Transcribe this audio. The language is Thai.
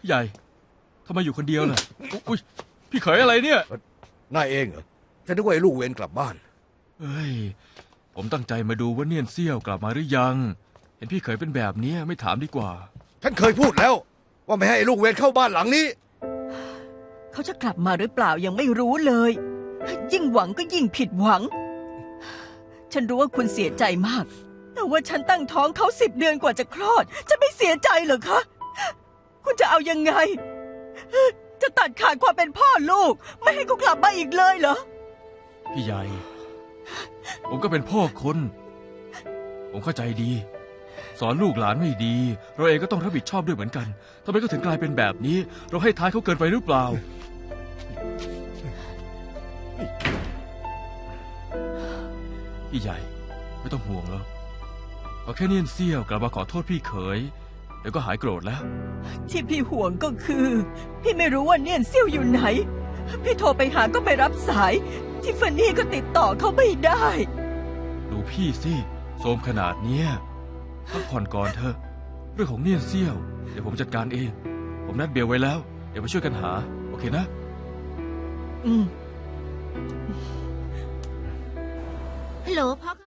พี่ใหญ่ทำไมอยู่คนเดียวล่ะอุ้ยพี่เขยอะไรเนี่ยนายเองเหรอฉันนึกว่าไอ้ลูกเวรกลับบ้านเฮ้ยผมตั้งใจมาดูว่าเนียนเซี่ยวกลับมาหรือยังเห็นพี่เขยเป็นแบบนี้ไม่ถามดีกว่าฉันเคยพูดแล้วว่าไม่ให้ไอ้ลูกเวรเข้าบ้านหลังนี้เขาจะกลับมาหรือเปล่ายังไม่รู้เลยยิ่งหวังก็ยิ่งผิดหวังฉันรู้ว่าคุณเสียใจมากแต่ว่าฉันตั้งท้องเขา10 เดือนกว่าจะคลอดจะไม่เสียใจเหรอคะคุณจะเอายังไงจะตัดขาดความเป็นพ่อลูกไม่ให้เขากลับมาอีกเลยเหรอพี่ใหญ่ผมก็เป็นพ่อคนผมเข้าใจดีสอนลูกหลานไม่ดีเราเองก็ต้องรับผิดชอบด้วยเหมือนกันทำไมก็ถึงกลายเป็นแบบนี้เราให้ท้ายเขาเกินไปหรือเปล่าพี่ใหญ่ไม่ต้องห่วงแล้วเอาแค่เนียนเซี่ยวกลับมาขอโทษพี่เขยเดี๋ยวก็หายโกรธแล้วที่พี่ห่วงก็คือพี่ไม่รู้ว่าเนียนเซี่ยวอยู่ไหนพี่โทรไปหาก็ไม่รับสายทิฟฟานี่ก็ติดต่อเขาไม่ได้ดูพี่สิโทรมขนาดเนี้ยพักผ่อนก่อนเถอะเรื่องของเนียนเซี่ยวเดี๋ยวผมจัดการเองผมนัดเบลไว้แล้วเดี๋ยวไปช่วยกันหาโอเคนะฮัลโหลพ่อ